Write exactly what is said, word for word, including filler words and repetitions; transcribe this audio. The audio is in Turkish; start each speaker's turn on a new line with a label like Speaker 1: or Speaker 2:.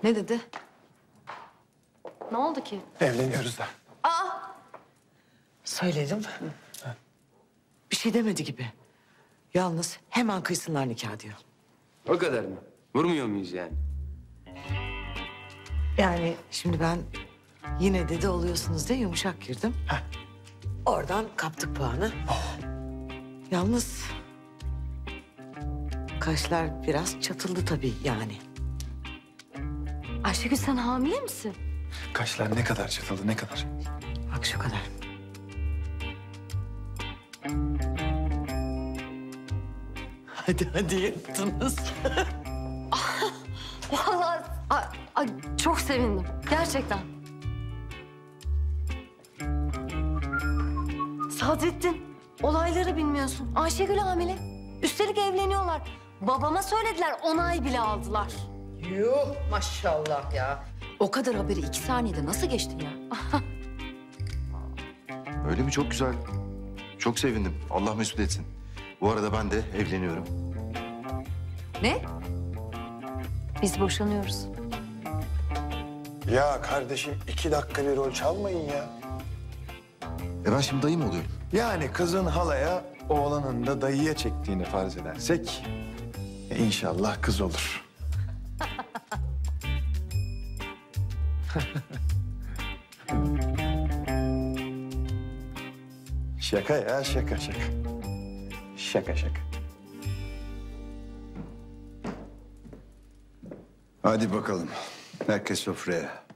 Speaker 1: Ne dedi?
Speaker 2: Ne oldu ki?
Speaker 3: Evleniyoruz da.
Speaker 1: Söyledim. Bir şey demedi gibi. Yalnız hemen kıysınlar nikah diyor.
Speaker 4: O kadar mı? Vurmuyor muyuz yani?
Speaker 1: Yani şimdi ben yine dede oluyorsunuz diye yumuşak girdim.
Speaker 3: Heh.
Speaker 1: Oradan kaptık puanı. Yalnız kaşlar biraz çatıldı tabii yani.
Speaker 2: Ayşegül sen hamile misin?
Speaker 3: Kaşlar ne kadar çatıldı, ne kadar?
Speaker 1: Bak şu kadar. Hadi hadi yaptınız.
Speaker 2: Vallahi ay, ay, çok sevindim. Gerçekten. Sadrettin, olayları bilmiyorsun. Ayşegül hamile. Üstelik evleniyorlar. Babama söylediler, onay bile aldılar.
Speaker 5: Yuh maşallah ya. O kadar haberi iki saniyede nasıl geçtin ya?
Speaker 6: Öyle mi? Çok güzel. Çok sevindim. Allah mesut etsin. Bu arada ben de evleniyorum.
Speaker 5: Ne?
Speaker 2: Biz boşanıyoruz.
Speaker 3: Ya kardeşim iki dakika bir rol çalmayın ya.
Speaker 6: E ben şimdi dayı mı oluyorum?
Speaker 3: Yani kızın halaya, oğlanın da dayıya çektiğini farz edersek... e, inşallah kız olur. Şaka ya, şaka şaka. Şaka şaka.
Speaker 7: Hadi bakalım. Herkes sofraya.